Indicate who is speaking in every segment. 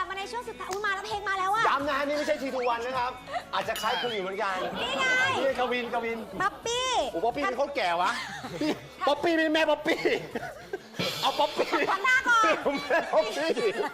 Speaker 1: บมาในช่วงสุดท้ายมาแล้วเพลงมาแล้วอะ
Speaker 2: ย้ำนะนี่ไม่ใช่ทีทูวันนะครับ อาจจะคล้ายคลึงอยู่เหมือนกัน
Speaker 1: นี่ไง
Speaker 2: นี่กวิน
Speaker 1: ป๊อปปี้
Speaker 2: โอ้ป๊อปปี้เป็นคนแก่วะป๊อปปี้เป็นแม่ป๊อปปี้เอาป๊อปปี้
Speaker 1: ทำหน้าก่อน
Speaker 2: แม่ป๊อปปี้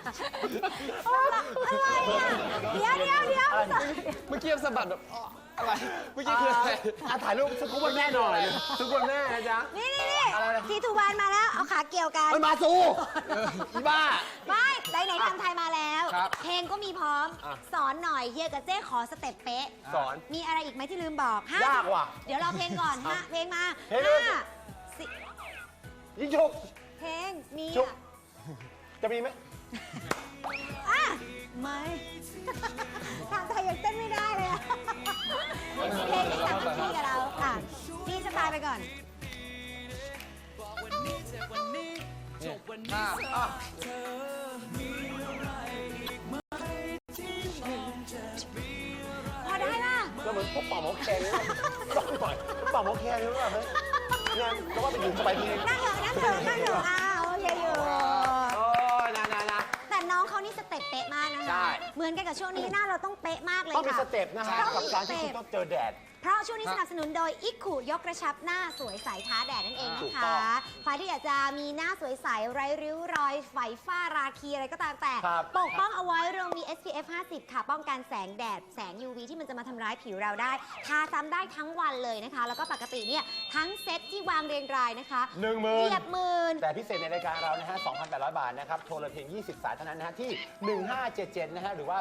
Speaker 1: อะไรอะเดี๋ยว
Speaker 3: เมื่อกี้สะบัดแบบอะไรเมื่อกี้คืออะไร
Speaker 2: ถ่ายรูปซุกวันแม่หน่อยซุกวันแม่นะจ๊ะ
Speaker 1: นี่ทีทูวันมาแล้วเอาขาเกี่ยวกัน
Speaker 2: มันมาสู้อีบ้า
Speaker 1: ไม่ไหนทำไทยมาแล้ว
Speaker 3: ครับ
Speaker 1: เพลงก็มีพร้อม
Speaker 2: อ่ะ
Speaker 1: สอนหน่อยเฮียกับเจ้ขอสเต็ปเป๊ะ
Speaker 2: สอน
Speaker 1: มีอะไรอีกไหมที่ลืมบอก
Speaker 2: ยากว่ะ
Speaker 1: เดี๋ยวรอเพลงก่อนฮะเพลงมา
Speaker 2: เพลงเลย
Speaker 1: ห้าสี่
Speaker 2: ยิงฉุก
Speaker 1: เพลงมี
Speaker 2: ชุบ
Speaker 1: อ่ะ
Speaker 2: จะมีไหม
Speaker 1: อ่ะไม่ทางไทยยังเต้นไม่ได้เลยอะเพลงที่สั่งที่กับเราอ่ะพี่สไตล์ไปก่อน พอได้ป่ะ
Speaker 2: ก็เหมือนพวกเป่าหมอแคนเลยต้องหน่อยเป่าหมอแคนเลยว่าเฮ้ยงานก็ว่าไปอยู่สบายที
Speaker 1: นั่งเถอะโอเคอยู่
Speaker 2: โอ้ยนะ
Speaker 1: แต่น้องเขานี่สเต็ปเป๊ะมากนะ
Speaker 2: ใช่
Speaker 1: คะ เหมือนกันกับช่วงนี้หน้าเราต้องเป๊ะมากเลย
Speaker 2: ต้องมี
Speaker 1: ค่ะ
Speaker 2: สเต็ปนะฮะ
Speaker 1: ต้อง
Speaker 2: กับ
Speaker 1: มี
Speaker 2: การ
Speaker 1: ส
Speaker 2: ที่
Speaker 1: เต็
Speaker 2: คุณ
Speaker 1: ป
Speaker 2: ต้องเจอแดด
Speaker 1: เพราะช่วงนี้สนับสนุนโดยอิกขุยกกระชับหน้าสวยใสท้าแดดนั่นเอง
Speaker 2: ถู
Speaker 1: นะ
Speaker 2: กต้
Speaker 1: คะ
Speaker 2: อง
Speaker 1: ใครที่อยากจะมีหน้าสวยใสไร้ริ้วรอยไฝฝ้าราคีอะไรก็ตามแต่
Speaker 2: ครับ
Speaker 1: ปกป้องเอาไว้เรามี SPF 50 ค่ะ ป้องกันแสงแดดแสง UV ที่มันจะมาทำร้ายผิวเราได้ ทาซ้ำได้ทั้งวันเลยนะคะ แล้วก็ปกติเนี่ยทั้งเซ็ตที่วางเรียงรายนะคะ
Speaker 2: 10,000
Speaker 1: เหยียบหมื่น
Speaker 2: แต่พิเศษในรายการเรานะฮะ 2,800 บาทนะครับ โทรเลยเพียง 20 สายเท่านั้นนะฮะ ที่ 1577 นะฮะ หรือว่า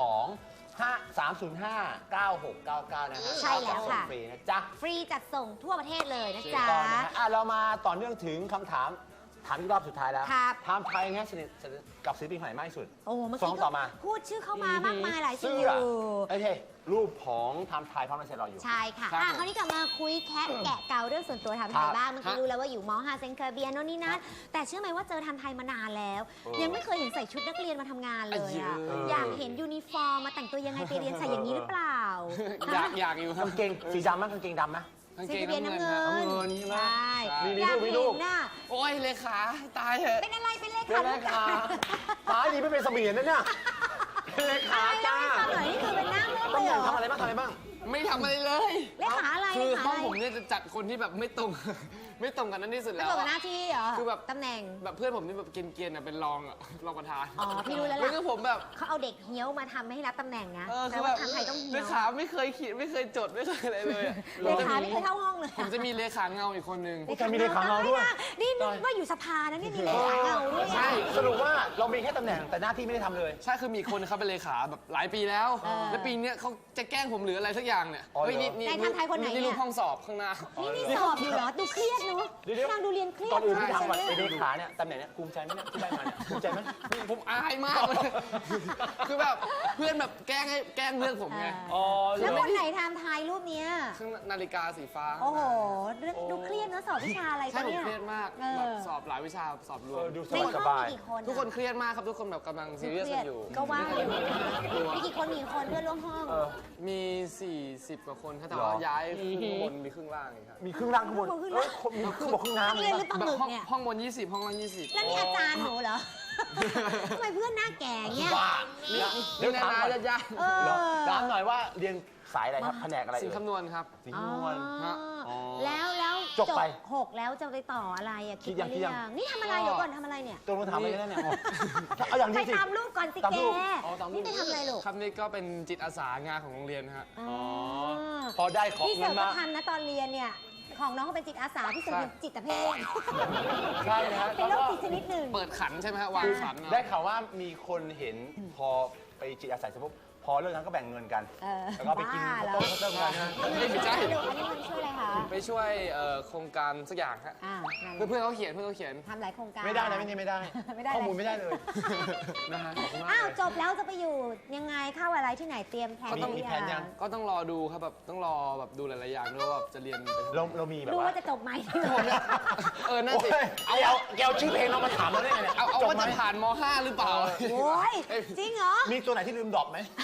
Speaker 2: 305-9699 นะฮะ
Speaker 1: ใช่แล้วค่ะ
Speaker 2: ส่งฟรีนะจ๊ะ
Speaker 1: ฟรีจัดส่งทั่วประเทศเลยนะ
Speaker 2: ถูก
Speaker 1: จ๊ะ
Speaker 2: ต้องนะฮะเรามาต่อเนื่องถึงคำถามอีกรอบสุดท้ายแล้ว
Speaker 1: ครับ
Speaker 2: ไทม์ไทยนะฮะสนิทกับศิลปินคนไหนมากที่สุด
Speaker 1: โอ้เมื่อ
Speaker 2: สอ
Speaker 1: กี้
Speaker 2: งต่อมา
Speaker 1: พูดชื่อเข้ามามากมายหลายชื่
Speaker 2: เสื้
Speaker 1: อ
Speaker 2: อ
Speaker 1: อยู่
Speaker 2: ไอ้เท่รูปของไทม์ไทยพร้อมลายเซ็นรออยู่
Speaker 1: ใช่ค่ะ
Speaker 3: ครับ
Speaker 1: คราวนี้กลับมาคุยแคะแกะเกาเรื่องส่วนตัวทำไทยบ้าง เมื่อกี้รู้แล้วว่าอยู่ม .5 เซนเคอร์เบียโน่นนี่นั่น แต่เชื่อไหมว่าเจอทำไทยมานานแล้ว ยังไม่เคยเห็นใส่ชุดนักเรียนมาทำงานเลยอะอยากเห็นยูนิฟอร์มมาแต่งตัวยังไงไปเรียนใส่อย่างนี้หรือเปล่า
Speaker 3: อยากอยู่ครับ
Speaker 2: กางเกงสีดำไหมกางเกงดำไหม
Speaker 3: กาง
Speaker 1: เซ
Speaker 3: เก
Speaker 1: น
Speaker 3: ง
Speaker 1: เคอร์เบีย
Speaker 3: น้ำ
Speaker 1: น้ำ
Speaker 3: เงิ
Speaker 1: เงิ
Speaker 3: น
Speaker 1: น
Speaker 2: น้ำเงินใช่ไหม
Speaker 1: ใช่
Speaker 2: มี
Speaker 1: อยาก
Speaker 2: รูป
Speaker 1: เห็นน่ะ
Speaker 3: โอ้ยเลขาตายเถอะ
Speaker 1: เป็นอะไรเป็นเล
Speaker 2: เป็
Speaker 1: ขาน
Speaker 2: เลขาฟ้าดีไม่เป็นเสมียนนะเนี่ยเป็นเลขา
Speaker 1: อะไร
Speaker 2: จ้า
Speaker 1: เล่าให้ฟังหน่อยนี่คือเป็นนั่งเล่นเล
Speaker 2: ต้อง
Speaker 1: ยเหรอ
Speaker 2: ทำอะไรบ้างทำอะไรบ้าง
Speaker 3: ไม่ทำอะไรเลย
Speaker 1: เลขาอะไร
Speaker 3: คื
Speaker 1: เล
Speaker 3: อ
Speaker 1: ขา
Speaker 3: ห้อง
Speaker 1: อะไร
Speaker 3: ผมเนี่ยจะจัดคนที่แบบไม่ตรง ไม่ตรงกันนั่นที่สุด
Speaker 1: ไม่
Speaker 3: แล้ว
Speaker 1: ตรงกับ
Speaker 3: อะ
Speaker 1: หน้าที่เหรอ
Speaker 3: คือแบบ
Speaker 1: ตำแหน่ง
Speaker 3: แบบเพื่อนผมนี่แบบเกรียนๆอะเป็นรองอะรองประธาน
Speaker 1: อ๋อพี่รู้แล้ว
Speaker 3: แล้ว
Speaker 1: ล่ะ
Speaker 3: ก็ผมแบบ
Speaker 1: เขาเอาเด็กเฮี้ยวมาทำให้รับตำแหน่งนะ
Speaker 3: เออ
Speaker 1: แต่
Speaker 3: คือ
Speaker 1: ว่า
Speaker 3: แบบ
Speaker 1: ทำไทยต้อง
Speaker 3: เล
Speaker 1: เฮี้ยว
Speaker 3: ขาไม่เคยขีดไม่เคยจดไม่เคยอะไรเลยอะ
Speaker 1: เลขาไม่เคยเข้าห้องเลย
Speaker 3: ผมจะมีเลขาเงาอีกคนนึง
Speaker 2: โอ้ยมีเลขาเงาด้วย
Speaker 1: นี่นึกว่าอยู่สภานะนี่มีเลขาเงาด้วย
Speaker 2: ใช่สรุปว่าเรามีแค่ตำแหน่งแต่หน้าที่ไม่ได้ทำเลย
Speaker 3: ใช่คือมีคนเขาเป็นเลขาแบบหลายปีแล้ว แล้วปีเนี้ยเขาจะแกล้งผมหรืออะไรสักอย่างเนี่ย
Speaker 2: อ๋อเหรอ
Speaker 3: เฮ้ยนี่
Speaker 1: ในทำไทยคนไหนเนี่ย
Speaker 3: นี่รูปห้องสอบข้างหน้า
Speaker 1: นี่สอบอยู่เหรอดูเครียดเนอะ
Speaker 2: เดี๋ยวๆ
Speaker 1: นางดูเรียนเครียด
Speaker 2: ก่อนอื่นที่ทำก่อน
Speaker 1: ใช่
Speaker 2: ไอ้
Speaker 1: ไหม
Speaker 2: เลขาเนี่ยตำแหน่งเนี่ยภูมิใจไหมเนี่ยที่ได้มาเนี่ยภูมิใจไหม
Speaker 3: ผมอายมากเลย คือแบบเพื่อนแบบแกล้งเรื่องผมไง
Speaker 2: อ๋อ
Speaker 1: แล้วคนไหนทำไทยรูปเนี้ย
Speaker 3: เครื่องนาฬิกาสีฟ้า
Speaker 1: โอ้โหดูเครียดเนอะสอบวิชาอะไร
Speaker 3: ใช่
Speaker 1: กัน
Speaker 3: ผม
Speaker 1: เนี่ย
Speaker 3: เครียดมาก
Speaker 1: เออ
Speaker 3: แบบสอบหลายวิชาสอบรวม
Speaker 2: ดูส
Speaker 1: ใน
Speaker 2: บาย
Speaker 1: ห้
Speaker 2: ส
Speaker 1: อง
Speaker 2: บาย
Speaker 1: มีกี่คน
Speaker 3: ทุกคนเครียดมากครับทุกคนแบบกำลังซีเรียสกันอยู่
Speaker 1: ก็ว่าอยู่มีกี่คนมีกี่คนเพื่อนร่วมห้อง
Speaker 3: มี 40 กว่าคนครับแต่
Speaker 2: หรอ
Speaker 3: ว่าย้ายครึ่งบนมีครึ่งล่างอีกครับ
Speaker 2: มีครึ่งล่างข้างบนเอ้ยมีครึ่งบกครึ่งน้ำ
Speaker 1: เรียนหรือปลาห
Speaker 3: แบบ
Speaker 1: มึก
Speaker 3: ห้อง
Speaker 1: เนี่ย
Speaker 3: ห้องบน 20 ห้องล่าง 20
Speaker 1: แล้วนี่อาจารย์หนูเหรอ ทำไมเพื่อนหน้าแก่เงี้ย
Speaker 2: บ้า
Speaker 3: เดี๋ยวนานาญาติ
Speaker 1: เออ
Speaker 2: เหรอถามหน่อยว่าเรียนสายอะไรครับแผนกอะไร
Speaker 3: สิ่งคำนวณครับ
Speaker 2: สิงห์นวล
Speaker 1: อ๋อ
Speaker 2: อ๋อ
Speaker 1: แล้ว
Speaker 2: จบไป
Speaker 1: 6แล้วจะไปต่ออะไรอะคิด
Speaker 2: คิดยัง
Speaker 1: ไว้หรือยังนี่ทำอะไร
Speaker 3: ก็
Speaker 1: เดี๋ยวก่อนทำอะไรเนี่ย
Speaker 2: ตัวมึงถามอะไรเนี่ยเอาอย่าง
Speaker 1: ไป
Speaker 2: นี้สิ
Speaker 1: ตามรูปก่อนสิ
Speaker 2: ตาม
Speaker 1: แก
Speaker 2: รูปอ๋อตามรูป
Speaker 1: นี่ไปทำอะไรลูก
Speaker 3: ครับนี่ก็เป็นจิตอาสางานของโรงเรียนนะฮะ
Speaker 1: อ๋อ
Speaker 2: พอได้ของ
Speaker 1: พี่
Speaker 2: เงิ
Speaker 1: เสิร์
Speaker 2: น
Speaker 1: ฟก็
Speaker 2: มา
Speaker 1: ทำนะตอนเรียนเนี่ยของน้องก็เป็นจิตอาสาพี่เสิร์ฟเป็นจิตเภท
Speaker 2: ใช่นะฮะ
Speaker 1: เป็นโรคจิตชนิดหนึ่ง
Speaker 3: เปิดขันใช่ไหมฮะวางขันเอา
Speaker 2: ได้ข่าวว่ามีคนเห็นพอไปจิตอาสาเสร็จปุ๊บพอเลิกงานก็แบ่งเงินกัน
Speaker 1: เออ
Speaker 2: แล้วก็ไปกิน
Speaker 1: บ้า
Speaker 2: ข้าว
Speaker 1: เหรอ
Speaker 2: ต้มข้าวต้มกันนะ
Speaker 3: ไม่ใช่
Speaker 1: อันนี้มันช่วยอะไรคะ
Speaker 3: ไปช่วยโครงการสักอย่างฮะ
Speaker 1: นั่น
Speaker 3: เพื่อนๆเขาเขียนเพื่อนเขาเขียน
Speaker 1: ทำหลายโครงการ
Speaker 2: ไม่ได้นะไม่ได้
Speaker 1: ไม่ได้
Speaker 2: ข้อมูลไม่ได้เลย
Speaker 3: นะฮะขอบคุณมาก
Speaker 1: อ้าว
Speaker 3: เลย
Speaker 1: จบแล้วจะไปอยู่ยังไงเข้าอะไรที่ไหนเตรียมแผน
Speaker 2: มีแผนยัง
Speaker 3: ก็ต้องรอดูครับแบบต้องรอแบบดูหลายๆอย่างด้วยว่าแบบจะเรียนไปทำไม
Speaker 2: เรามีแบบ
Speaker 1: ดู
Speaker 2: ว่า
Speaker 1: ว่าจะจบไหม
Speaker 3: นั่น
Speaker 2: โอ้
Speaker 3: สิ
Speaker 2: ยเอาแกเอาชื่อเพลงเรามาถามเราได้ไงเนี่ย
Speaker 3: เอา
Speaker 2: จบ
Speaker 3: ว่า
Speaker 2: ไหม
Speaker 3: จะผ่านม .5 หรือเปล่า
Speaker 1: โอ้ยจริงเหรอ
Speaker 2: มีตัวไหนที่ลืมดรอปไหม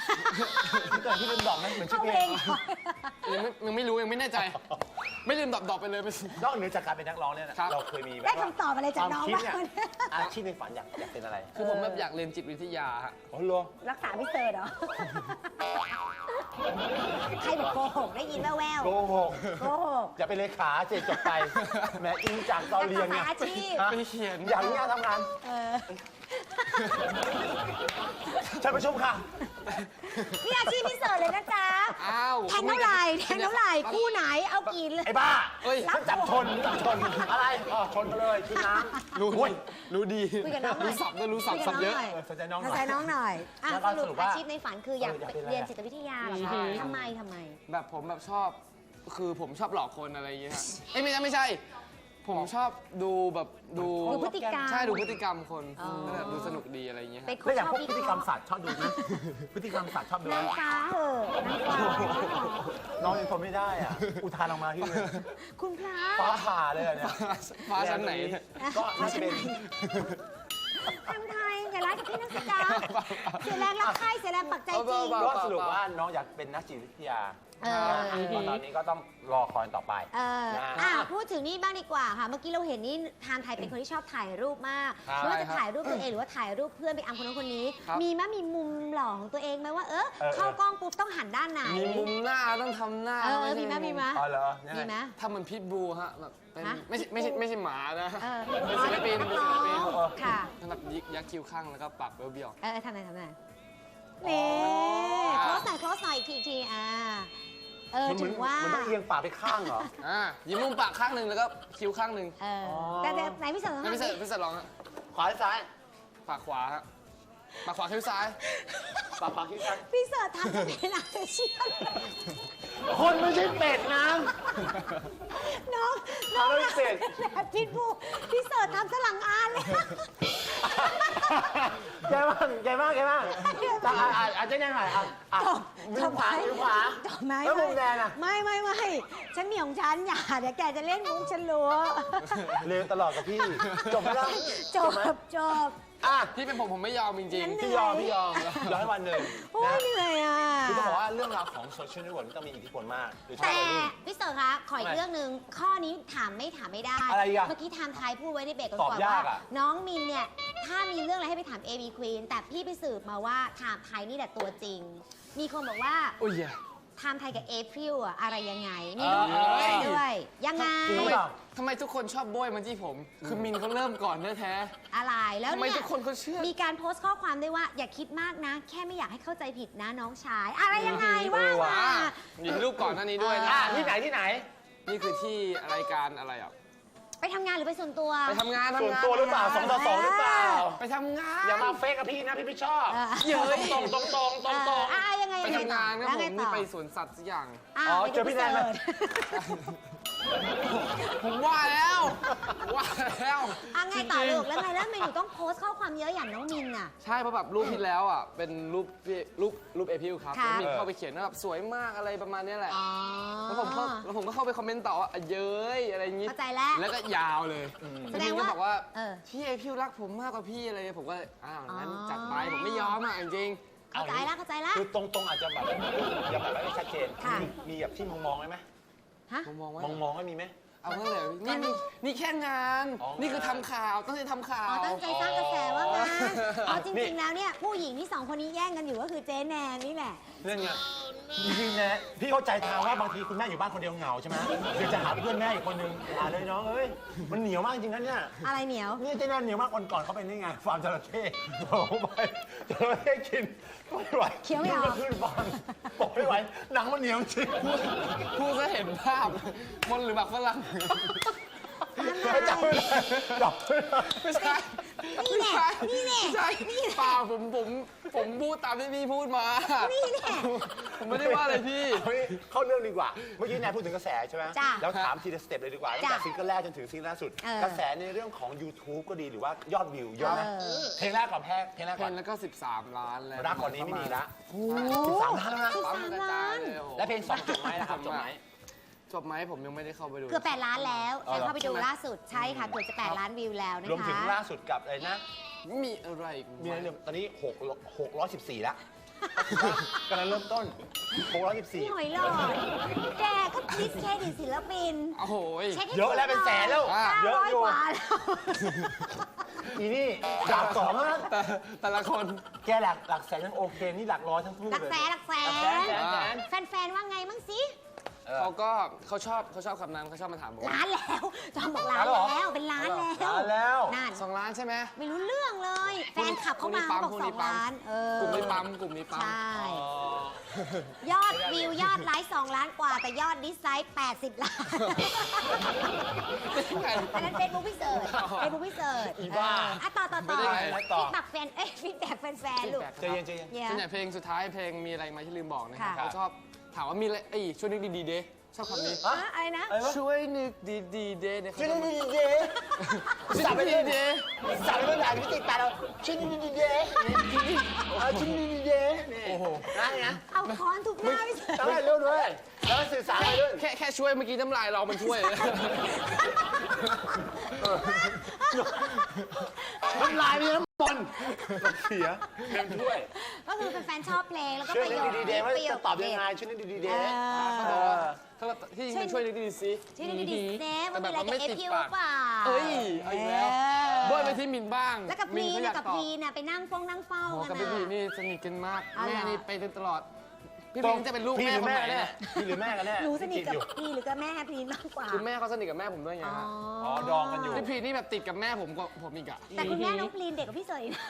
Speaker 2: พี่เกิดที่ลืมบอกนะเหมือนชื่
Speaker 1: เข้า
Speaker 2: อเพ
Speaker 1: เพ
Speaker 2: ล
Speaker 1: ล
Speaker 2: ง
Speaker 1: งก่อน
Speaker 3: ยังไม่รู้ยังไม่แน่ใจ ไม่ลืมดอกไปเลย
Speaker 2: นอกเหนือจากการเป็นนักร้องเนี่ยนะครับ เราเคยมีแบบ
Speaker 1: ได้
Speaker 2: ว่า
Speaker 1: คำตอบอะไรจากน้อง
Speaker 2: ควา
Speaker 1: บ้าม ง
Speaker 2: คิดเนี่ยอาชีพในฝันอยากเป็นอะไร
Speaker 3: คือผมแบบอยากเรียนจิตวิทยาฮะ
Speaker 2: อ๋อเหรอ
Speaker 1: รักษาพี่เสิร์ชเหรอ ใครบอกโกหกได้ยินแว่ว
Speaker 2: โกหก
Speaker 1: ๆโกหก
Speaker 2: อย่าเป็นเลขาเจ็ดจบไปแหมอิงจากตอนเรียน
Speaker 1: นั
Speaker 2: เนี่
Speaker 1: ก
Speaker 2: ย
Speaker 1: ศึกษาอาชีพ
Speaker 2: ฮะ
Speaker 3: ไปเขียน
Speaker 2: อย่างนี้ทำงาน
Speaker 1: เออ
Speaker 2: เชิญประชุมค่ะ
Speaker 1: นี่อาชีพพี่เสิร์ชเลยนะจ๊ะ
Speaker 3: อ้าว
Speaker 1: แทงเท่าไหร่แทงเท่าไหร่คู่ไหนเอากี่เลย
Speaker 2: ไอ้บ้า
Speaker 3: เอ้ย
Speaker 2: มันจับชนอะไรอ๋อชนกันเลยคือน้ำ
Speaker 3: รู้ดี
Speaker 1: คุยกับน้องหน่อย
Speaker 3: รู้ศัพท์ด้วยรู้ศัพท์
Speaker 1: คุยกับ
Speaker 3: เยอะ
Speaker 1: น้งหน่
Speaker 2: สนใจน้องหน่
Speaker 1: ส
Speaker 2: อน
Speaker 1: ใจ
Speaker 2: ย
Speaker 1: น้องหน่อยอ่ะ
Speaker 2: แล้วก็
Speaker 1: ส
Speaker 2: สรุ
Speaker 1: รุ
Speaker 2: ป
Speaker 1: ป
Speaker 2: ว่า
Speaker 1: อาชีพในฝันคืออยาก
Speaker 2: อยากเป็นอะไร
Speaker 1: เรียนจิตวิทยาเหรอ
Speaker 3: ใช่
Speaker 1: คะทำไม
Speaker 3: แบบผมแบบชอบ คือผมชอบหลอกคนอะไรอย่างเงี้ยฮะเอ้ยไม่ใช่ ผมชอบดูแบบดู
Speaker 1: ดูพฤติกรรม
Speaker 3: ใช่ดูพฤติกรรมคน
Speaker 1: อ๋อ
Speaker 3: แบบดูสนุกดีอะไรอย่างเงี้ยฮะ
Speaker 1: เป็นค
Speaker 2: แล้
Speaker 1: น
Speaker 2: วอย่าง
Speaker 1: ชอบ
Speaker 2: พวก
Speaker 1: วิ
Speaker 2: พฤ
Speaker 1: เค
Speaker 2: ติกรรม
Speaker 1: ราะห์
Speaker 2: สัตว์ชอบดูไหมพฤติกรรมสัตว์ชอบดูไหม
Speaker 1: นางฟ้าเหอะนางฟ้า
Speaker 2: น้องยังทนไม่ได้อ่ะ อุทานออกมาที่เลย
Speaker 1: คุณพระ
Speaker 2: ฟ้าผ่าเลยอะเนี่ย
Speaker 3: ฟ้าชั้นไหนเนี่ย
Speaker 2: ก็น่าจะเป็น
Speaker 1: ทำไทยอย่าร้ายกับพี่นักศึกษาเสียแรงรักใครเสียแรงปักใจจริง
Speaker 2: ก็สรุปว่าน้องอยากเป็นนักจิตวิทยา
Speaker 1: เออ
Speaker 2: ตอนนี้ก็ต้องรอคอยต่อไป
Speaker 1: เออพูดถึงนี่บ้างดีกว่าค่ะ เมื่อกี้เราเห็นนี่ทานไทยเป็นคนที่ชอบถ่ายรูปมาก
Speaker 2: ครับ
Speaker 1: ไม่ว่าจะถ่ายรูปตัวเองหรือว่าถ่ายรูปเพื่อนไปอัมคนนู้นคนนี้
Speaker 3: ครับ
Speaker 1: มีมั้ยมีมุมหล่อของตัวเองไหมว่าเข้ากล้องปุ๊บต้องหันด้านไหน
Speaker 3: มีมุมหน้าต้องทำหน้า
Speaker 1: มีมั้ยมีมั้ย
Speaker 2: อ๋อเหรอยัง
Speaker 1: มี
Speaker 2: ไง
Speaker 1: มั้ย
Speaker 3: ทำเหมือนพิทบูฮะแบบเป็น
Speaker 1: ฮะ
Speaker 3: ไม่ใช่หมานะ
Speaker 1: เป็น
Speaker 3: ศิลปิน
Speaker 1: นักร้องค่ะ
Speaker 3: แบบยักคิ้วข้างแล้วก็ปากเบี้ยว
Speaker 1: ทำไหนนี่โคลสหน่อยอีกทีถึงว่า
Speaker 2: มันต้องเอียงปากไปข้างเหรอ
Speaker 3: ยิ้มมุมปากข้างหนึ่งแล้วก็คิ้วข้างหนึ่ง
Speaker 1: แต่ไหนพี่เสิร์ฟ
Speaker 3: ให้พี่เสิร์ฟลองฮะ
Speaker 2: ขวาหรือซ้าย
Speaker 3: ปากขวาฮะปากขวาคิ้วซ้าย
Speaker 2: ปากที่ซ้าย
Speaker 1: พี่เสิร์ฟทำเป็นอาเชียน
Speaker 2: คนไม่ใช่เป็ดนะ
Speaker 1: น้อง
Speaker 2: เอาแล้วเป็ด
Speaker 1: แบบพิษบูพี่เสิร์ฟทำสลังอานเลย
Speaker 2: แกบ้างอาจจะยังไงมือขวา
Speaker 1: จบไหม
Speaker 2: แล้วมุมแดงอ่ะ
Speaker 1: ไม่ฉันมีของฉันอย่าเดี๋ยวแกจะเล่นมุกฉันรู้
Speaker 2: เร็วตลอดกับพี่ จบไม่ได้
Speaker 1: จบ
Speaker 3: พี่เป็นผมไม่ยอมจริง
Speaker 1: งั้น
Speaker 2: พี่ยอมให้วันหนึ่ง
Speaker 1: โอ้ยเหนื่อยอ่ะ
Speaker 2: คือต้องบอกว่าเรื่องราวของโซเชียลเน็ตเวิร์กต้องมีอิทธิพลมากโดยเฉ
Speaker 1: แต่
Speaker 2: พาะวัยรุ่น
Speaker 1: พี่เสิร์ฟคะขออีกเรื่องหนึ่งข้อนี้ถามไม่ได้
Speaker 2: อะไรอ่ะ
Speaker 1: เมื่อกี้ไทม์ไทยพูดไว้ในเบรกก่อน
Speaker 2: ตอบ
Speaker 1: ว่าย
Speaker 2: ากอ่ะ
Speaker 1: น้องมินเนี่ยถ้ามีเรื่องอะไรให้ไปถาม AB Queen แต่พี่ไปสืบมาว่าไทม์ไทยนี่แหละตัวจริง มีคนบอกว่า
Speaker 3: ๆ โอ้ย
Speaker 1: ไทม์ไทยกับเอพริลอะอะไรยังไงมีรูปคู่กันด้วยยังไง
Speaker 2: จริงหรือเปล่า
Speaker 3: ทำไมทุกคนชอบโบยมาที่ผม คือมินเขาเริ่มก่อนแท้
Speaker 1: อะไรแล้ว
Speaker 3: ๆทำไม
Speaker 1: เนี่ย
Speaker 3: ทุกคนเขาเชื่อ
Speaker 1: มีการโพสต์ข้อความด้วยว่าอย่าคิดมากนะ แค่ไม่อยากให้เข้าใจผิดนะน้องชาย อะไรยังไงว่ามา
Speaker 3: มีรูปก่อนหน้านี้ด้วยนะ
Speaker 2: ที่ไหน
Speaker 3: นี่คือที่รายการอะไรอ่ะ
Speaker 1: ไปทำงานหรือไปส่วนตัว
Speaker 3: ไปทำงาน
Speaker 2: ส่วนตัวหรือเปล่า2 ต่อ 2หรือเปล่า
Speaker 3: ไปทำงาน
Speaker 2: อย่ามาเฟกกับพี่นะพี่ไม่ชอบ
Speaker 3: เย้ย
Speaker 2: ตรง
Speaker 1: ยังไง
Speaker 3: ไปทำงานครับ
Speaker 1: แล้ว
Speaker 3: ผ
Speaker 1: ไง
Speaker 3: ม
Speaker 1: ต่
Speaker 3: นี่
Speaker 1: อ
Speaker 3: ไปสวนสัตว์สักอย่าง
Speaker 2: เจอพี่แนนไหม
Speaker 3: ผมว่าแล้ว
Speaker 1: ไงต่อลูกแล้วไงแล้วทำไมหนูต้องโพสต์ข้อความเยอะอย่างน้องมินอ่ะ
Speaker 3: ใช่เพราะแบบรูปที่แล้วอ่ะเป็นรูปเอพิวครับ
Speaker 1: ค่ะ
Speaker 3: แล้วมีเข้าไปเขียนว่าแบบสวยมากอะไรประมาณเนี้ยแหละ
Speaker 1: อ๋อ
Speaker 3: แล้วผมก็เข้าไปคอมเมนต์ต่อว่าเย้ยอะไรอย่างงี้
Speaker 1: เข้าใจแล้ว
Speaker 3: แล้วก็ยาวเลย
Speaker 1: แสดงว่า
Speaker 3: ก็บอกว่า
Speaker 1: พี่
Speaker 3: พี่เอพิวรักผมมากกว่าพี่อะไรผมก็งั้น
Speaker 1: อ๋อ
Speaker 3: จัดไปผมไม่ยอมอ่ะจริง
Speaker 1: เข้าใจแล้ว
Speaker 2: คือตรงอาจจะแบบอย่าแบบไม่ชัดเจน
Speaker 1: ค่ะ
Speaker 2: มีแบบที่มองไหม
Speaker 1: ฮะ
Speaker 3: ผมมองว่า
Speaker 2: มองไม่มีไหม
Speaker 3: เอาเมื่อไหร่นี่แค่งาน
Speaker 2: อ๋อ
Speaker 3: นี่คือทำข่าวตั้งใจทำข่าว
Speaker 1: ตั้งใจสร้างกระแสว่างานจริงๆแล้วเนี่ยผู้หญิงที่2คนนี้แย่งกันอยู่ก็คือเจ๊แนนนี่แหละ
Speaker 2: เรื่องไงจริงๆนะพี่เข้าใจทางว่าบางทีคุณแม่อยู่บ้านคนเดียวเหงาใช่ไหมเดี๋ยวจะหาเพื่อนแม่อีกคนนึงหาเลยน้องเอ้ยมันเหนียวมากจริงนะเนี่ย
Speaker 1: อะไรเหนียว
Speaker 2: นี่เจ๊แนนเหนียวมากวันก่อนเขาไปนี่ไงฟาร์มจระเข้บอกไปจระเข้กินไม่ไหว
Speaker 1: เคี้ยวไม่ออก
Speaker 2: ขึ้นฟาร์มบอกไม่ไหวหนังมันเหนียวจริง
Speaker 3: พูดก็เห็นภาพมันหรือแบบฝรั่ง
Speaker 2: ไม่จับไม่ได้จับไม่ได้
Speaker 3: ไม่ใช่
Speaker 1: นี่แหละ
Speaker 3: ไม่ใช่เปล่าผมพูดตามที่พี่พูดมา
Speaker 1: นี่แหละ
Speaker 3: ผมไม่ได้ว่าอะไรพี่
Speaker 2: เข้าเรื่องดีกว่า เมื่อกี้นายพูดถึงกระแสใช่ไหม
Speaker 1: จ้ะ
Speaker 2: แล้วถามทีละสเต็ปเลยดีกว่าตั้งแต่ซิงเกิลแรกจนถึงซิงเกิลล่าสุด กระแสในเรื่องของ YouTube ก็ดีหรือว่ายอดวิวเยอะไหมเพลงแรกก่อนเพลงแรก
Speaker 3: เพ
Speaker 2: ก่อน
Speaker 3: นแล้วก็13 ล้านแล้ว
Speaker 2: รักกว่านี้ไม่มีละ
Speaker 1: โอ้
Speaker 2: 13 ล้านแล้วนะ
Speaker 3: ปั๊มกระจายเลย
Speaker 2: และเพลง2จบไหมนะครับจบไหม
Speaker 3: จบไหมผมยังไม่ได้เข้าไปดู
Speaker 1: เกือบ8 ล้านแล้ว
Speaker 2: อ๋อ
Speaker 1: แต่
Speaker 2: เหรอ
Speaker 1: เข้าไปดูล่าสุดใช่ค่ะเกือบจะ8 ล้านวิวแล้วนะคะ
Speaker 2: รวมถึงล่าสุดกับอะไรนะ
Speaker 3: มีอะไรอีก
Speaker 2: มีอะไรเรื่องตอนนี้614ละกำลังเริ่มต้นโค้ง
Speaker 1: พี่ห
Speaker 2: 114
Speaker 1: อยหลอดแกก็ดิสเครดิตศิลปิน
Speaker 3: โอ้โหย
Speaker 1: ช็คให้
Speaker 2: เยอะแล้วเป็นแสนแล้ว
Speaker 3: อ่ะ
Speaker 2: เยอะอยู่
Speaker 1: 900กว่าแล้ว
Speaker 2: อีนี่ดาบสองนะ
Speaker 3: แต่ละคน
Speaker 2: แกหลักแสนยังโอเค นี่หลักร้อยทั้งคู่
Speaker 1: หลัก
Speaker 2: เลย
Speaker 1: แสนหลักแส
Speaker 2: น
Speaker 1: แฟนๆว่าไงมั่งสิ
Speaker 3: เขาชอบคำนั้นเขาชอบมาถามผม
Speaker 1: ล้านแล้วจอมบอกล้านแล้วเป็นล้านแล้ว
Speaker 2: ล้านแล้ว
Speaker 1: นั่น
Speaker 3: 2 ล้านใช่ไหม
Speaker 1: ไม่รู้เรื่องเลย แฟนขับเข้ามา
Speaker 3: พรุ่งนี้
Speaker 1: บอก
Speaker 3: ปั๊ม
Speaker 1: 2 ล้าน
Speaker 3: กลุ่มนี้ปั๊มกลุ่มนี้ปั๊ม
Speaker 1: ใช่ ยอดวิวยอดไลค์2 ล้านกว่า แต่ยอดดิสไลค์80 ล้าน อันนั้นเฟซบุ๊กพี่เสิร์ชเฟซบุ๊กพี่เสิร์ช
Speaker 2: อีบ้า
Speaker 1: ต่อ
Speaker 3: ไม่ได้ไง
Speaker 1: ฟีดแบ็กแฟนฟีดแบ็กแฟนๆลูก
Speaker 2: ใจเย็นใจเย็น
Speaker 1: เยี่ย
Speaker 3: ส่วนใหญ่เพลงสุดท้ายเพลงมีอะไรมาที่ลืมบอกนะครับ
Speaker 1: ค่ะ
Speaker 3: เขาชอบถามว่ามีอะไรช่วยนึกดีๆเด้ชอบคำนี้
Speaker 1: อะไรนะ
Speaker 3: ช่วยนึกดีๆเด้เนี่ยเขา
Speaker 2: ช่วย
Speaker 3: จะ
Speaker 2: นี่
Speaker 3: มา
Speaker 2: ดีเจ
Speaker 3: สับไปดีเด้
Speaker 2: สับไปเรื่องไหนไม่ติดตาเราช่วยนี่ดีเจช่วยนี่ดีเจโอ้โหนะ
Speaker 1: เอาค้อนทุบหน้าพี่เสิร์ช
Speaker 2: ต้องให้รู้ด้วยแล้วสื่อสารไปด้วย
Speaker 3: แค่ช่วยเมื่อกี้น้ำลายเรามันช่วย
Speaker 2: น้ำลายมีน้ำมันเสียเต็มถ้วย
Speaker 1: ก็คือเป็นแฟนชอบเพลงแล้วก็
Speaker 2: ช่ว
Speaker 1: ป
Speaker 2: ย
Speaker 1: ระ
Speaker 2: นี่
Speaker 1: โยค
Speaker 2: ดีเจว่า
Speaker 1: ประโย
Speaker 2: จะ
Speaker 1: ค
Speaker 2: ตอบยังไงช่วยนี่ดีเจ
Speaker 3: ถ้าที่จริงมันช่วยนึกดีๆสิ
Speaker 1: ช่วยดีๆเซฟมัน
Speaker 3: แต่
Speaker 1: มี
Speaker 3: แบบ
Speaker 1: อะไร
Speaker 3: มัน
Speaker 1: กับ
Speaker 3: ไม่
Speaker 1: เอ
Speaker 3: ติด
Speaker 1: พิว
Speaker 3: ปาก
Speaker 1: เปล่า
Speaker 3: เอ้ยเอาอีกแล้วโบยไปที่มินบ้าง
Speaker 1: แล้วกับพี
Speaker 3: เขาอ
Speaker 1: น่ะ
Speaker 3: ยาก
Speaker 1: กับ
Speaker 3: ตอบ
Speaker 1: พีน่ะไปนั่งนั่งเฝ้า
Speaker 3: โอ้
Speaker 1: กัน
Speaker 3: กับพี่พี
Speaker 1: น่ะ
Speaker 3: นี่สนิทกันมาก
Speaker 1: อ๋อเหรอ
Speaker 3: แม่นี่ไปตลอด พี่พีจะเป็นลูก
Speaker 2: พี่
Speaker 3: แม่
Speaker 2: หรือ
Speaker 3: คน
Speaker 2: แม่
Speaker 3: ไหน
Speaker 2: แน่
Speaker 3: เนี่ย
Speaker 2: พี่หรือแม่กันแน่
Speaker 1: หนูสนิทกับพีหรือกับแม่พีมากกว่า
Speaker 3: คือแม่เขาสนิทกับแม่ผมด้วยไง
Speaker 1: อ๋อ
Speaker 3: ฮะ
Speaker 2: อ๋อดองกันอยู่
Speaker 3: พี่พีนี่แบบติดกับแม่ผมกว่าผมอีกอะ
Speaker 1: แต่คุณแม่น้องพลีนเด็กกว่าพี่เสยนะ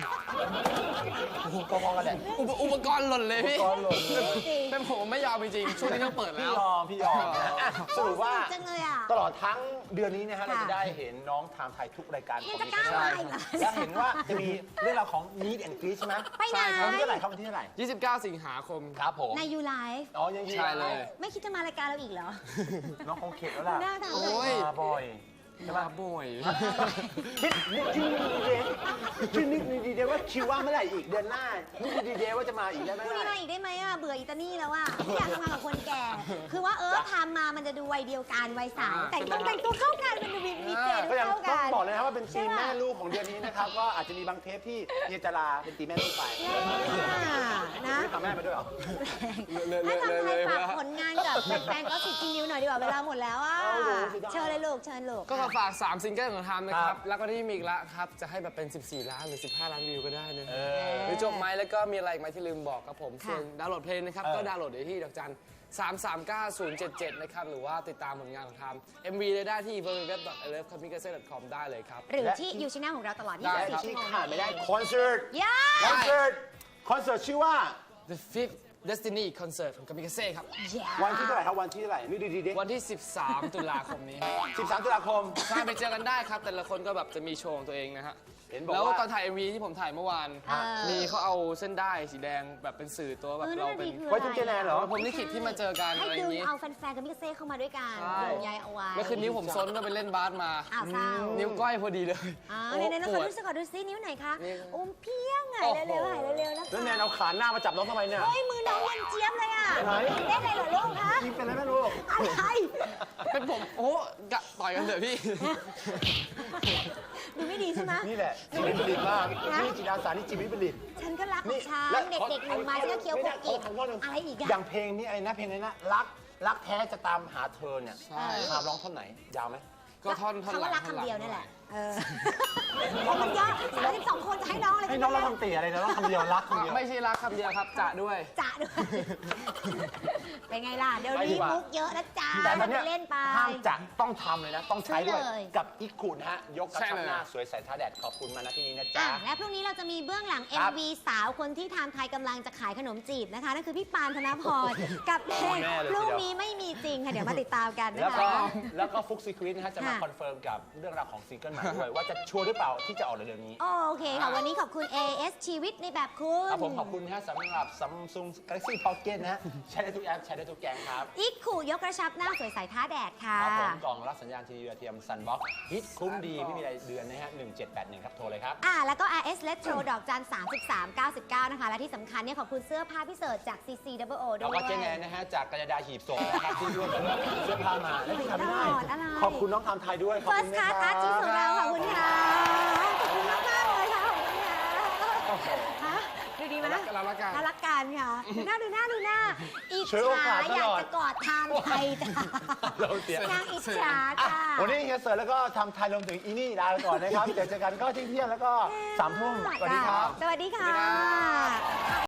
Speaker 2: พอๆกันแหละ
Speaker 3: อุปกรณ์หล่นเลยพี่
Speaker 2: อุปกรณ์หล่น
Speaker 1: จริง
Speaker 3: เป็นผมไม่ยอมจริงๆช่วงนี้ต้องเปิด
Speaker 2: พี่
Speaker 3: แล้ว
Speaker 2: ยอมนะอ่ะสรุปว่า
Speaker 1: จังเลยอ่ะ
Speaker 2: ตลอดทั้งเดือนนี้นะฮะ
Speaker 1: ค่ะ
Speaker 2: เราจะได้เห็นน้องไทม์ไทยทุกรายการ
Speaker 1: ยังจะกล้ามาอีกเหรอ
Speaker 2: และเห็นว่าจะมีเรื่องราวของ Meet and Greet ใช่ไหม
Speaker 1: ไปไหน
Speaker 2: วันที่เท่าไหร่ครับวันที่เท่าไหร่
Speaker 3: 29 สิงหาคม
Speaker 2: ครับผม
Speaker 1: ในยูไลฟ์
Speaker 2: อ๋อยังยืน
Speaker 3: ใช่เลย
Speaker 1: ไม่คิดจะมารายการเราอีกเหรอ
Speaker 2: น้องคงเข็ดแล้วล่ะ
Speaker 1: หน้าถาม
Speaker 3: โอ้
Speaker 1: เลย
Speaker 3: ย
Speaker 2: มาบ่อย
Speaker 3: จะมาบ่อย
Speaker 2: คิดนึกดีเดว่าคิวว่างเมื่อไหร่อีกเดือนหน้านึกดีเดว่าจะมาอีกได้ไหม
Speaker 1: พรุ่งนี้มาอีกได้ไหมอ่ะ เบื่ออิตาลีแล้วอ่ะไม่อยากทำงานกับคนแก่ คือว่าทำมามันจะดูวัยเดียวกันวัยสาวแต่งตัวเข้ากันมันดูมีเกณฑ์
Speaker 2: ก็ยัง
Speaker 1: เข้า
Speaker 2: ต้อ
Speaker 1: กั
Speaker 2: ง
Speaker 1: น
Speaker 2: บอกเลยนะครับว่าเป็นทีม
Speaker 1: ใช่ปะ
Speaker 2: แม่ลูกของเดือนนี้นะครับก็อาจจะมีบางเทปที่เฮียจาราเป็นทีมแม่ลูกไป
Speaker 1: นะ
Speaker 2: ทำแม่ไปด้วยเหรอ
Speaker 1: ให้ทำไทยฝากผลงานกับแฟนๆก็สิบจีนิวหน่อยดีกว่าเวลาหมดแล้วอ่ะ
Speaker 2: เอาดูสิได้
Speaker 1: เชิญเลยลูกเชิญลูก
Speaker 3: ก็มาฝาก 3 ซิงเกิลของทำนะค
Speaker 2: ครั
Speaker 3: รับ
Speaker 2: บ
Speaker 3: แล้วก็ที่มีอีกละครับ จะให้แบบเป็น 14 ล้านหรือ 15 ล้านวิวก็ได้นะ
Speaker 2: เอ
Speaker 3: หรือจบไหมแล้วก็มีอะไรอีกไหมที่ลืมบอกครับผม
Speaker 1: ค่ะ
Speaker 3: ส่วนดาวน์โหลดเพลงนะครับ
Speaker 2: เออ
Speaker 3: ก็ดาวน์โหลดได้ที่ดอกจัน 339-077 นะครับ หรือว่าติดตามผลงานของทำ MV ได้ที่ www.ilovecomicase.com ได้เลยครับ
Speaker 1: หรือที่ยูช anel ของเราตลอด
Speaker 3: ได้ครับ
Speaker 1: 24 ชั่
Speaker 2: ที่
Speaker 1: วโมง
Speaker 2: ขาดไม่ได้คอนเสิร์ต
Speaker 1: ย่า
Speaker 2: คอนเสิร์ตชื่อว่า
Speaker 3: The Fifth Destiny Concert ของ Kamikaze ครับ
Speaker 2: วันที่เท่าไหร่ครับวันที่เท่าไหร่นี่ดี
Speaker 3: วันที่ 13 ตุลาคมนี้
Speaker 2: 13 ตุลาคม
Speaker 3: ใช่ไปเจอกันได้ครับ แต่ละคนก็แบบจะมีโชว์ของตัวเองนะฮะ
Speaker 2: เห็นบอก
Speaker 3: แล้ว
Speaker 2: ว่า
Speaker 3: ตอนถ่าย MV ที่ผมถ่ายเมื่อวาน มีเขาเอาเส้นได้สีแดงแบบเป็นสื่อตัวแบบเราเป็น
Speaker 2: ไว้ทุกเจแนนเหรอ
Speaker 3: ผมลิขิตที่มาเจอกัน
Speaker 1: ให้
Speaker 3: อะไรอ
Speaker 1: ดึ
Speaker 3: ย่าง งนี้
Speaker 1: เอาแฟนๆกับมิกเซ่เข้ามาด้วยกัน
Speaker 3: ใช่
Speaker 1: ดึงใยเอาไว้
Speaker 3: เมื่อคืนนิ้วผมซนก็ไปเล่นบาสมา
Speaker 1: อ้าวเศร้า
Speaker 3: นิ้วก้อยพอดีเลย
Speaker 1: ไหนๆๆ
Speaker 3: ป
Speaker 1: ขอ
Speaker 3: วด
Speaker 1: ดูสิขอดูซินิ้วไหนคะ
Speaker 3: นี่
Speaker 1: โอมเพียงไง
Speaker 3: โอ้โห
Speaker 1: เร็วๆหายเร็วๆนะคะ
Speaker 2: แล้วแนนเอาขาหน้ามาจับน้องทำไมเนี่ย
Speaker 1: เฮ้ยมือน้องยังเจี๊ยบเลยอ่ะ
Speaker 2: ไหน
Speaker 1: เล่นอะไรเหรอลูกคะ
Speaker 2: ยิงเป็นอะไรไม่รู้
Speaker 1: อะไร
Speaker 3: เป็นผมโอ้กะต่อยกันเถอะพี่
Speaker 1: ดูไม่ดีใช่ไหม
Speaker 2: นี่แหละจิตวิปริตมาก
Speaker 1: นะ
Speaker 2: นี่จิตอาสานี่จิตวิปริต
Speaker 1: ฉันก็รักของฉัน
Speaker 2: และ
Speaker 1: เด็กๆหนูมาฉันก็เคี้ยวคุกอีกอะไรอีก
Speaker 2: อ
Speaker 1: อะ
Speaker 2: ย่างเพลงนี้ไอ้นะเพลงนี้นะรักแท้จะตามหาเธอเนี่ย
Speaker 3: ใช่
Speaker 2: ทามร้องท่อนไหนยาวไหม
Speaker 3: ก็ท่อน
Speaker 1: คำ
Speaker 3: หลั
Speaker 1: ว่าง รัก
Speaker 3: ท่อนหลั
Speaker 1: คำ
Speaker 3: ง
Speaker 1: เดียวนี่แหละเพราะมันเยอะ32 คนจะให้น้องอะไร
Speaker 2: ให้น้องร้องคำตีอะไรนะร้องคำเดียวรักคำเดียว
Speaker 3: ไม่ใช่รักคำเดียวครับจะด้วย
Speaker 1: จะด้วยเป็นไงล่ะเดี๋ยวนี้มุกเยอะนะจ๊ะ
Speaker 2: แต่ตอนเนี้ย
Speaker 1: เล่นไป
Speaker 2: ห้ามจะต้องทำเลยนะ ต้องใช้ด้วย
Speaker 1: ใช่เลย
Speaker 2: กับอีกขุนฮะ ยกกระ
Speaker 3: ใช่
Speaker 2: ชับ
Speaker 3: เลย
Speaker 2: หน้าสวยใส่ท่าแดดขอบคุณมาณที่นี้นะ
Speaker 1: อ่ะ
Speaker 2: จ๊ะ
Speaker 1: และพรุ่งนี้เราจะมีเบื้องหลัง
Speaker 2: ครับ
Speaker 1: MV สาวคนที่ไทม์ไทยกำลังจะขายขนมจีบนะคะ นั่นคือพี่ปานธนพร กับเพลง
Speaker 2: แน่เลย
Speaker 1: พรุ่ง
Speaker 2: ทีเดียว
Speaker 1: นี้ไม่มีจริงค่ะ เดี๋ยวมาติดตามกัน
Speaker 2: แล้ว
Speaker 1: นะ
Speaker 2: ก็
Speaker 1: คะ
Speaker 2: แล้วก็ฟุกซีควินนะฮะจะมา
Speaker 1: ค่ะ
Speaker 2: คอนเฟิร์มกับเรื่องราวของซิงเกิลใหม่ด้วย ว่าจะชัวร์หรือเปล่าที่จะออกเร็วๆนี้
Speaker 1: โอเคค่ะ วันนี้ขอบคุณ AS ชีวิตในแบบคุณ
Speaker 2: ครับผมขอบคุณนะฮะสำหรับ Samsung Galaxy Pocket นะฮะใช้ได้ทุกแอป ใช้ได้ทุกแกงครับ
Speaker 1: อีกขู่ยกกระชับหน้าสวยใสท้าแดดค่ะ
Speaker 2: ครับผมกล่องรับสัญญาณทีวีดาวเทียม Sunbox ฮิตคุ้มดีไม่มีรายเดือนนะฮะ1781ครับโทรเลยครับ
Speaker 1: แล้วก็ RS Retro ดอกจัน3399 นะคะ และที่สำคัญเนี่ยขอบคุณเสื้อผ้าพิเศษจาก CCWO ด้
Speaker 2: แล้ว
Speaker 1: วย
Speaker 2: ก็เจแนนนะฮะจากกระดาษหีบศพนะครับที่ร่วมเสื้อผ้ามาและที่ทำไม่ได้
Speaker 1: อะไร
Speaker 2: ขอบคุณน้องทำไทยด้วยขอบคุณ
Speaker 1: First
Speaker 2: นะ
Speaker 1: Class
Speaker 2: ครั
Speaker 1: Artist ของเรา
Speaker 2: บ
Speaker 1: ขอบคุณค่ะ ขอบคุณมากๆเลยค่ะ ขอบคุณค่ะฮะดูดีไหม
Speaker 3: เราละกัน
Speaker 1: น่ารักกันค่ะดูหน้าอิจ
Speaker 2: ช่วยโอกา
Speaker 1: ฉา
Speaker 2: สต
Speaker 1: อยา
Speaker 2: ล
Speaker 1: ก
Speaker 2: อด
Speaker 1: จะกอดทานไทยจ้ะ
Speaker 2: เราเสีย
Speaker 1: นางอิจฉา
Speaker 2: อ่ะ
Speaker 1: จ้ะ
Speaker 2: วันนี้เฮียเสิร์ชแล้วก็ทำไทยรวมถึงอีนี่ลาไปก่อนนะครับ เดี๋ยวเจอกันก็เที่ยงแล้วก็3 ทุ่มสวัสดีครับ
Speaker 1: สวัสดีค่ะ